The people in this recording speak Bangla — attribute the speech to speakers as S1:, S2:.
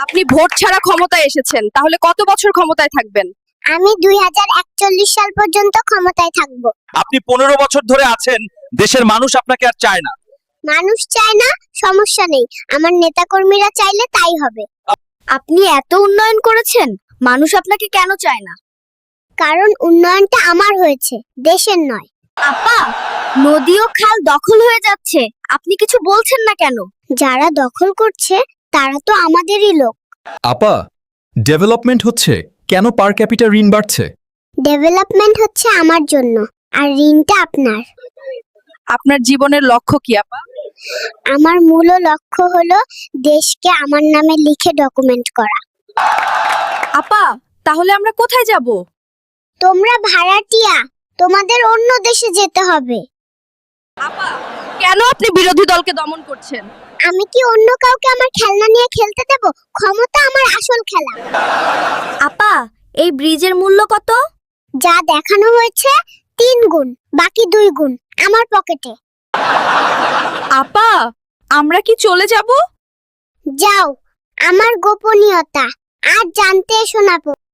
S1: আপনি ভোট ছাড়া ক্ষমতায় এসেছেন, তাহলে কত বছর ক্ষমতায় থাকবেন?
S2: আমি 2041 সাল পর্যন্ত ক্ষমতায় থাকব।
S3: আপনি 15 বছর ধরে আছেন, দেশের মানুষ আপনাকে আর চায় না।
S2: মানুষ চায় না, সমস্যা নেই, আমার নেতাকর্মীরা চাইলে তাই হবে।
S1: আপনি এত উন্নয়ন করেছেন, মানুষ আপনাকে কেন চায় না?
S2: কারণ উন্নয়নটা আমার হয়েছে, দেশের নয়।
S1: আপা, নদী ও খাল দখল হয়ে যাচ্ছে, আপনি কিছু বলছেন না কেন?
S2: যারা দখল করছে তারা তো আমাদেরই লোক।
S4: আপা, ডেভেলপমেন্ট হচ্ছে, কেন পার ক্যাপিটা ঋণ বাড়ছে?
S2: ডেভেলপমেন্ট হচ্ছে আমার জন্য, আর ঋণটা আপনার।
S1: আপনার জীবনের লক্ষ্য কি আপা?
S2: আমার মূল লক্ষ্য হলো দেশকে আমার নামে লিখে ডকুমেন্ট করা।
S1: আপা, তাহলে আমরা কোথায় যাব?
S2: তোমরা ভাড়াটিয়া, তোমাদের অন্য দেশে যেতে হবে।
S1: আপা, কেন আপনি বিরোধী দলকে দমন করছেন?
S2: আমি কি অন্য কাউকে আমার খেলনা নিয়ে খেলতে দেব? ক্ষমতা আমার আসল খেলা।
S1: আপা, এই ব্রিজের মূল্য কত?
S2: যা দেখানো হয়েছে 3 গুণ, বাকি 2 গুণ আমার পকেটে।
S1: আপা, আমরা কি চলে যাব?
S2: যাও, আমার গোপনীয়তা আর জানতে এসো না।